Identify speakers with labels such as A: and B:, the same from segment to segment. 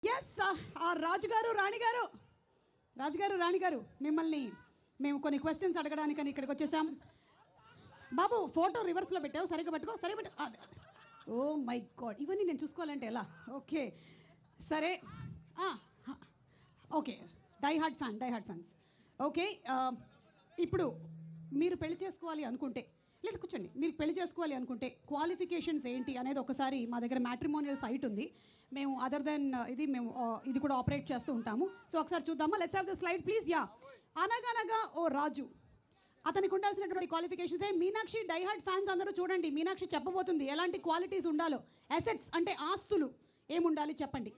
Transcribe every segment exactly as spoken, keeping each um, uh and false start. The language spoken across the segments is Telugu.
A: ఎస్ రాజుగారు రాణిగారు రాజుగారు రాణిగారు మిమ్మల్ని మేము కొన్ని క్వశ్చన్స్ అడగడానికని ఇక్కడికి వచ్చేసాం. బాబు ఫోటో రివర్స్లో పెట్టావు, సరిగ్గా పట్టుకో, సరిగ్గా పెట్టు. ఓ మై గాడ్, ఇవన్నీ నేను చూసుకోవాలంటే ఎలా? ఓకే సరే, okay die hard fan die hard fans okay. ఇప్పుడు మీరు పెళ్లి చేసుకోవాలి అనుకుంటే, లేదు కూర్చోండి, మీరు పెళ్లి చేసుకోవాలి అనుకుంటే క్వాలిఫికేషన్స్ ఏంటి అనేది ఒకసారి మా దగ్గర మ్యాట్రిమోనియల్ సైట్ ఉంది, మేము అదర్ దెన్ ఇది మేము ఇది కూడా ఆపరేట్ చేస్తూ ఉంటాము. సో ఒకసారి చూద్దామా? Let's have the slide please. Yeah, అనగనగా ఓ రాజు, అతనికి ఉండాల్సినటువంటి క్వాలిఫికేషన్స్. మీనాక్షి డైహార్డ్ ఫ్యాన్స్ అందరూ చూడండి, మీనాక్షి చెప్పబోతుంది ఎలాంటి క్వాలిటీస్ ఉండాలో. అసెట్స్ అంటే ఆస్తులు ఏముండాలి చెప్పండి.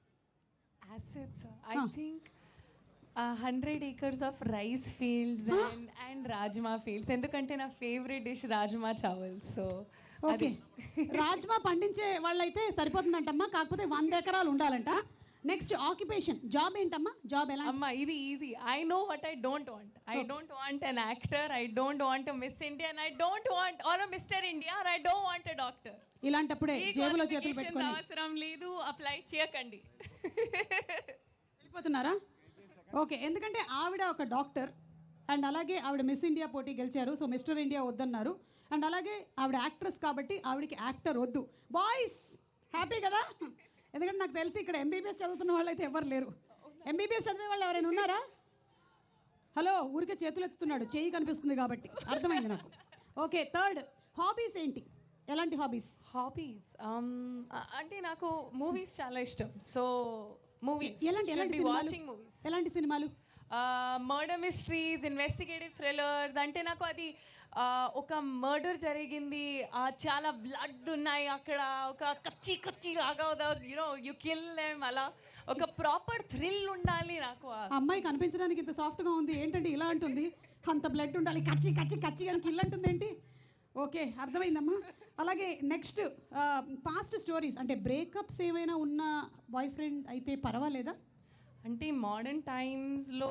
B: Assets I think hundred acres of rice fields and and rajma fields, ఎందుకంటే నా favourite dish rajma chawal. So
A: okay, rajma పండించే వాళ్ళైతే సరిపోతుందంటమ్మా, కాకపోతే వంద ఎకరాలు ఉండాలంట. నెక్స్ట్ ఆక్యుపేషన్, జాబ్ ఏంటమ్మా? జాబ్ ఎలా?
B: అమ్మా ఇది easy. I know what I don't want. I don't want an actor, I don't want Miss India, and I don't want or Mister India, or I don't want a doctor.
A: ఇలాంటప్పుడే జేబులో చేతులు పెట్టుకొని
B: అవసరం లేదు, అప్లై చేయకండి.
A: వెళ్ళిపోతున్నారా? ఓకే, ఎందుకంటే ఆవిడ ఒక డాక్టర్ అండ్ అలాగే ఆవిడ మిస్ ఇండియా పోటీ గెలిచారు, సో మిస్టర్ ఇండియా వద్దన్నారు. అండ్ అలాగే ఆవిడ యాక్ట్రెస్ కాబట్టి ఆవిడకి యాక్టర్ వద్దు. బాయ్స్ హ్యాపీ కదా? ఎందుకంటే నాకు తెలిసి ఇక్కడ ఎంబీబీఎస్ చదువుతున్న వాళ్ళు అయితే ఎవరు లేరు. ఎంబీబీఎస్ చదివే వాళ్ళు ఎవరైనా ఉన్నారా? హలో, ఊరికే చేతులు ఎత్తుతున్నాడు, చేయి కనిపిస్తుంది కాబట్టి అర్థమైంది నాకు. ఓకే, థర్డ్ హాబీస్ ఏంటి? ఎలాంటి హాబీస్?
B: హాబీస్ అంటే నాకు మూవీస్ చాలా ఇష్టం. సో మూవీస్,
A: ఎలాంటి ఎలాంటి
B: వాచింగ్ మూవీస్.
A: ఎలాంటి సినిమాలు?
B: Murder mysteries, investigative thrillers. అంటే నాకు అది ఒక మర్డర్ జరిగింది, చాలా బ్లడ్ ఉన్నాయి అక్కడ, ఒక కచ్చి కచ్చి లాగా యూనో యు కిల్ దెమ్, అలా ఒక ప్రాపర్ థ్రిల్ ఉండాలి నాకు.
A: అమ్మాయి కనిపించడానికి ఇంత సాఫ్ట్గా ఉంది ఏంటంటే ఇలా అంటుంది, అంత బ్లడ్ ఉండాలి, కచ్చి కచ్చి కచ్చి అని కిల్ అంటుంది ఏంటి? ఓకే, అర్థమైందమ్మా. అలాగే నెక్స్ట్ పాస్ట్ స్టోరీస్, అంటే బ్రేకప్స్ ఏమైనా ఉన్న బాయ్ ఫ్రెండ్ అయితే పర్వాలేదా?
B: అంటే మోడర్న్ టైమ్స్లో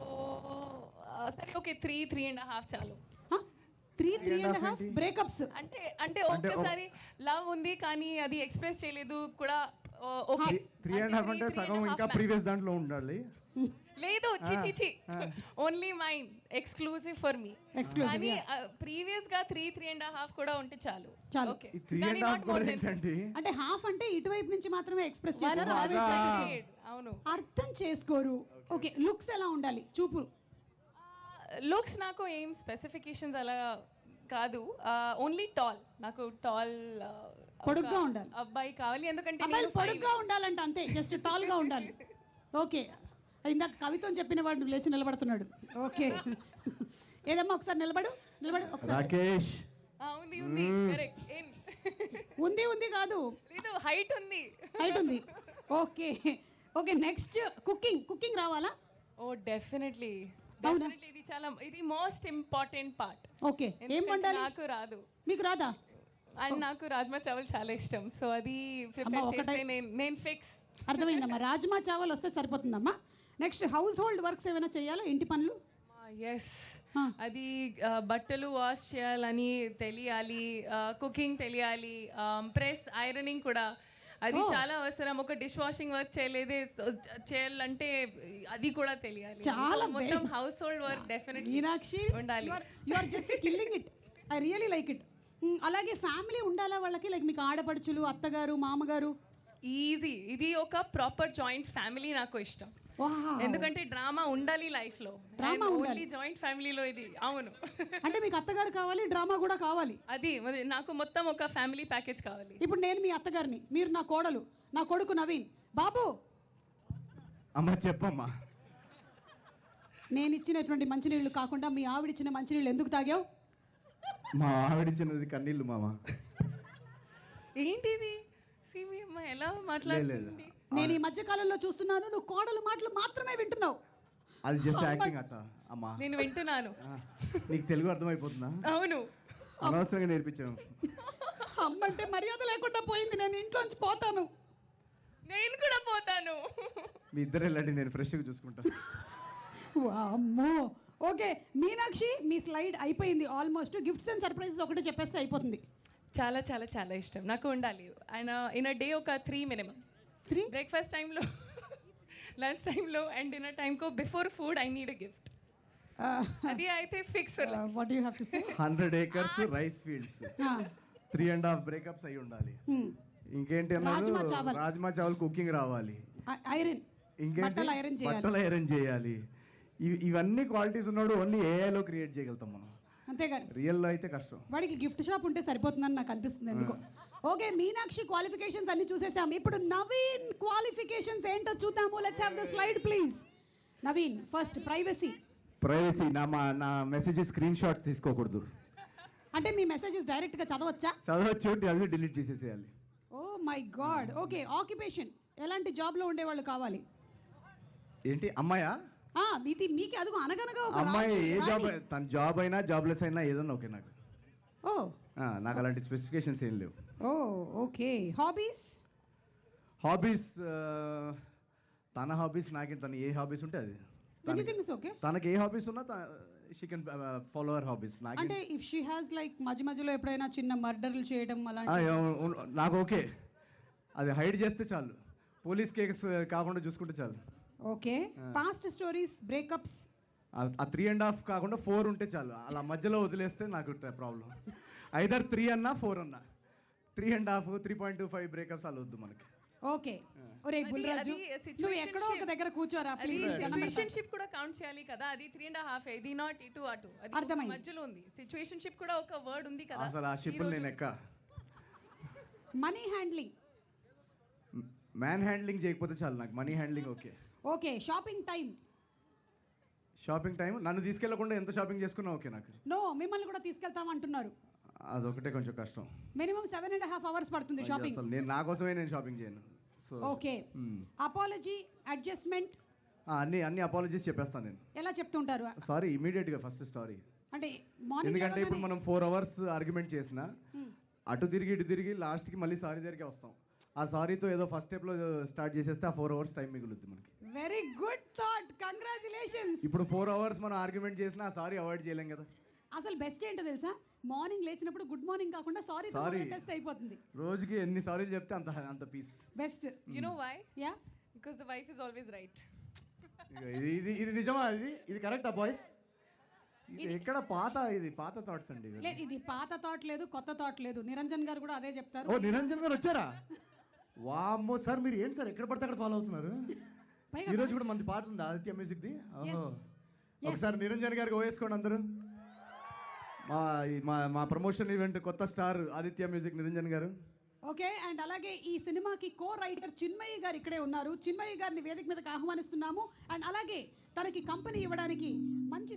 B: సరే okay, three three and half చాలు.
A: Three three and half breakups
B: అంటే అంటే ఒక్కసారి లవ్ ఉంది కానీ అది ఎక్స్ప్రెస్ చేయలేదు కూడా. ఓకే,
C: త్రీ అండ్ హాఫ్ అంటే సగం ఇంకా ప్రీవియస్ దాంట్లో ఉండాలి.
B: లేదు, చిచి only mine, exclusive for me. కానీ ప్రీవియస్ గా త్రీ త్రీ అండ్ హాఫ్ కూడా ఉంటే చాలు.
A: చాలు.
C: త్రీ అండ్ హాఫ్
A: అంటే హాఫ్ అంటే ఇటువైపు నుంచి మాత్రమే ఎక్స్ప్రెస్ చేస్తారు.
B: అవును,
A: అర్థం చేసుకోరు. ఓకే, లుక్స్ ఎలా ఉండాలి? చూపురు.
B: లుక్స్ నాకు ఏం స్పెసిఫికేషన్స్ అలా కాదు, ఓన్లీ టాల్. నాకు టాల్
A: పొడుగ్గా ఉండాలి
B: అబ్బాయి కావాలి, ఎందుకంటే
A: పొడుగ్గా ఉండాలంట, అంతే, జస్ట్ టాల్ గా ఉండాలి. ఓకే, ఇందాక కవిత్వం చెప్పిన వాడు లేచి నిలబడుతున్నాడు. ఓకే, ఏదమ్మా ఒకసారి నిలబడు నిలబడు ఒకసారి.
C: రాకేష్
B: ఉంది ఉంది
A: ఉంది ఉంది కాదు,
B: లేదు హైట్ ఉంది,
A: హైట్ ఉంది. Okay okay, next cooking. Cooking రావాలా?
B: ఓ డెఫినెట్లీ డెఫినెట్లీ, ఇది చాలా ఇది మోస్ట్ ఇంపార్టెంట్ పార్ట్.
A: ఓకే, ఏం వండాలి?
B: నాకు రాదు.
A: మీకు రాదా?
B: అండ్ నాకు రాజ్మా చావల్ చాలా ఇష్టం, సో అది ప్రిపేర్ చేస్తే నేను నేను ఫిక్స్.
A: అర్థమైందమ్మా, రాజ్మా చావల్ వస్తే సరిపోతుందమ్మా. నెక్స్ట్ హౌస్ హోల్డ్ వర్క్స్ ఏమైనా చేయాలా? ఇంటి పనులు?
B: ఎస్, అది బట్టలు వాష్ చేయాలని తెలియాలి, కుకింగ్ తెలియాలి, ప్రెస్ ఐరనింగ్ కూడా అది చాలా అవసరం. ఒక డిష్ వాషింగ్ వర్క్ చేయలేదే చేయాలంటే అది కూడా తెలియాలి.
A: చాలా
B: మొత్తం household work definitely
A: Meenakshi
B: ఉండాలి.
A: You are just killing it, I really like it. అలాగే ఫ్యామిలీ ఉండాలా వాళ్ళకి? లైక్ మీకు ఆడపడుచులు, అత్తగారు, మామగారు?
B: ఈజీ, ఇది ఒక ప్రాపర్ జాయింట్ ఫ్యామిలీ నాకు ఇష్టం, ఎందుకంటే డ్రామా ఉండాలి లైఫ్ లో.
A: డ్రామా ఉండాలి
B: జాయింట్ ఫ్యామిలీలో ఇది. అవును,
A: అంటే మీకు అత్తగారు కావాలి, డ్రామా కూడా కావాలి.
B: అది నాకు మొత్తం ఒక ఫ్యామిలీ ప్యాకేజ్ కావాలి.
A: ఇప్పుడు నేను మీ అత్తగారిని, మీరు నా కోడలు, నా కొడుకు నవీన్. బాబు
C: అమ్మ చెప్పమ్మా,
A: నేను ఇచ్చినటువంటి మంచినీళ్ళు కాకుండా మీ ఆవిడిచ్చిన మంచినీళ్ళు ఎందుకు తాగావు?
C: మా ఆవిడిచ్చినది కన్నీళ్ళు మామ.
B: ఏంటిది ఎలా మాట్లాడుతుంది?
A: నేను ఈ మధ్య కాలంలో చూస్తున్నాను, నువ్వు కోడలు మాటలు మాత్రమే వింటున్నావు.
C: అది జస్ట్ యాక్టింగ్ అత్త. అమ్మా
B: నేను వింటున్నాను.
C: నీకు తెలుగు అర్థమైపోతుందా?
B: అవును,
C: అనవసరంగా నేర్పించాను.
A: అమ్మంటే మర్యాద లేకుండా పోయింది, నేను ఇంట్లోంచి పోతాను.
B: నేను కూడా పోతాను.
C: మీ ఇద్దరు వెళ్ళండి, నేను ఫ్రెష్గా చూసుకుంటా.
A: అమ్మో. ఓకే మీనాక్షి, మీ స్లైడ్ అయిపోయింది ఆల్మోస్ట్. గిఫ్ట్స్ అండ్ సర్ప్రైజెస్ ఒకటే చెప్పేస్తే అయిపోతుంది.
B: చాలా చాలా చాలా ఇష్టం నాకు ఉండాలి. ఆయన ఇన్ అ డే ఒక త్రీ మినిమం.
A: త్రీ
B: బ్రేక్ఫాస్ట్ టైంలో లంచ్ టైంలో అండ్ డిన్నర్ టైంకో before food I need a gift. అది అయితే fix.
A: What you have to say?
C: Hundred acres rice fields, three and half breakups అయి ఉండాలి. ఇంకేంటి అన్నారు?
A: రాజ్మా చావల్.
C: రాజ్మా చావల్ కుకింగ్ రావాలి.
A: ఐరన్,
C: ఇంకేంటి?
A: బట్టలు ఐరన్ చేయాలి.
C: బట్టలు ఐరన్ చేయాలి. ఇవి- ఇవన్నీ క్వాలిటీస్ ఉన్నాడు ఓన్లీ ఏఐలో క్రియేట్ చేయగలుగుతాం మనం.
A: అంతేగాని
C: రియల్ లో అయితే కష్టం.
A: వాడికి గిఫ్ట్ షాప్ ఉంటే సరిపోతుందని నాకు అనిపిస్తుంది ఎందుకో. ఓకే, మీనాక్షి క్వాలిఫికేషన్స్ అన్ని చూసేసాం. ఇప్పుడు నవీన్ క్వాలిఫికేషన్స్ ఏంటో చూద్దాము. Let's have the slide please. Naveen, first privacy.
C: Privacy, నా మా నా మెసేజ్ స్క్రీన్ షాట్స్ తీసుకోకూడదు.
A: అంటే మీ మెసేజెస్ డైరెక్ట్ గా చదవచ్చా?
C: చదవచ్చు, అది డిలీట్ చేసేసేయాలి.
A: Oh my god. Okay, occupation ఎలాంటి జాబ్ లో ఉండేవాళ్ళు కావాలి?
C: ఏంటి అమ్మాయా?
A: ఆ ఇది మీకే అదుగు అనగనగా ఒక
C: అమ్మాయి
A: రాజు,
C: ఏ జాబ్,
A: రాణి.
C: తన జాబ్ అయినా జాబ్లెస్ అయినా ఏదన్నా ఓకే నాకు.
A: ఓ
C: ఆ, నాకు అలాంటి స్పెసిఫికేషన్స్ ఏం లేవు.
A: Oh okay. హాబీస్?
C: హాబీస్, తన హాబీస్ నాకే, తన ఏ హాబీస్ ఉంటే అది. తనకి-
A: ఎనీథింగ్ ఇస్ ఓకే.
C: తనకి ఏ హాబీస్ ఉన్నా she can follow our hobbies. నాకు
A: అంటే ఇఫ్ షీ హాస్ లైక్ మధ్య మధ్యలో ఎప్పుడైనా చిన్న మర్డర్లు చేయడం
C: ఆ,
A: అలాంటి
C: ఎవ- ఉన్- నాకు ఓకే, అది హైడ్ చేస్తే చాలు, పోలీస్ కేసు కాకుండా చూసుకుంటే చాలు.
A: ఓకే. Past stories, breakups?
C: ఆ- ఆ త్రీ అండ్ హాఫ్ కాకుండా ఫోర్ ఉంటే చాలు. అలా మధ్యలో వదిలేస్తే నాకు ప్రాబ్లం. ఐదర్ త్రీ అన్నా ఫోర్ అన్నా, three and half, three point two five breakups అలా వద్దు మనకి.
A: ఓకే. ఒరే
B: అది-
A: బుల్రాజు,
B: అది
A: నువ్వు ఎక్కడో ఒక
B: situationship.
A: దగ్గర కూర్చోరా
B: అది
A: ప్లీజ్.
B: సిచ్యువేషన్షిప్ కూడా కౌంట్ చేయాలి కదా. అది త్రీ అండ్ హాఫ్, ఇది నాట్ ఇటు అటు, అది ఒక
A: అర్థమైంది.
B: మధ్యలో ఉంది. సిచ్యువేషన్షిప్ కూడా ఒక వర్డ్ ఉంది కదా.
C: అసలు ఆ షిప్ నేను ఎక్క.
A: Money handling?
C: మ్యాన్ హ్యాండ్లింగ్ చేయకపోతే చాలు నాకు, money handling okay.
A: Okay. Shopping time?
C: Shopping time నన్ను తీసుకెళ్లకుండా ఎంత షాపింగ్ చేసుకున్నా ఓకే నాకు.
A: నో, మిమ్మల్ని కూడా తీసుకెళ్తాం అంటున్నారు.
C: అదొకటే కొంచెం కష్టం.
A: Minimum seven and half hours పడుతుంది షాపింగ్.
C: అసలు నేను నా కోసమే నేను షాపింగ్ చేయను. So
A: okay. అపాలజీ, అడ్జస్ట్మెంట్
C: అన్ని అన్ని అపాలజీస్ చెప్పేస్తాను నేను.
A: ఎలా చెప్తుంటారు?
C: సారీ ఇమీడియట్ గా ఫస్ట్ స్టారీ.
A: అంటే మార్నింగ్
C: ఎందుకంటే ఇప్పుడు మనం ఫోర్ అవర్స్ ఆర్గ్యుమెంట్ చేసిన అటు తిరిగి ఇటు తిరిగి లాస్ట్ కి మళ్ళీ సారీ దగ్గరికి వస్తాం. ఆ సారీతో ఏదో ఫస్ట్ స్టెప్ లో స్టార్ట్ చేసేస్తే ఆ ఫోర్ అవర్స్ టైం మిగులుద్ది మనకి.
A: Very good thought, congratulations.
C: ఇప్పుడు ఫోర్ అవర్స్ మనం ఆర్గ్యుమెంట్ చేసినా ఆ సారీ అవాయిడ్ చేయలేం కదా.
A: అసలు బెస్ట్ ఏంటో తెలుసా? మార్నింగ్ లేచినప్పుడు గుడ్ మార్నింగ్ కాకుండా సారీ
C: Sorry.
A: టెస్ట్ అయిపోతుంది.
C: రోజుకి ఎన్ని సారీలు చెప్తే అంత అంత peace.
A: Best.
B: You know why?
A: Yeah,
B: because the wife is always right.
C: ఇది ఇది ఇది నిజమా? ఇది ఇది కరెక్టా బాయ్స్? ఇది ఎక్కడ పాత, ఇది పాత థాట్స్ అండి ఇవి.
A: లేదు ఇది పాత థాట్ లేదు, కొత్త థాట్ లేదు. నిరంజన్ గారు కూడా అదే చెప్తారు.
C: ఓ నిరంజన్ గారు వచ్చారా? వామ్మో సార్, మీరు ఏంటి సార్ ఎక్కడ పడితే అక్కడ ఫాలో అవుతున్నారు?
A: పైగా
C: ఈ రోజు కూడా మంది పాట ఉంది ఆదిత్య మ్యూజిక్ ది. ఓహో,
A: Yes.
C: ఒకసారి నిరంజన్ గారికి ఓవేసుకోండి అందరూ. మా ఈ- మా మా ప్రమోషన్ ఈవెంట్ కొత్త స్టార్ ఆదిత్య మ్యూజిక్ నిరంజన్ గారు.
A: ఓకే. అండ్ అలాగే ఈ సినిమాకి కో రైటర్ చిన్మయ్య గారు ఇక్కడే ఉన్నారు. చిన్మయ్య గారిని వేదిక మీదకి ఆహ్వానిస్తున్నాము. అండ్ అలాగే తనకి కంపెనీ ఇవ్వడానికి మంచి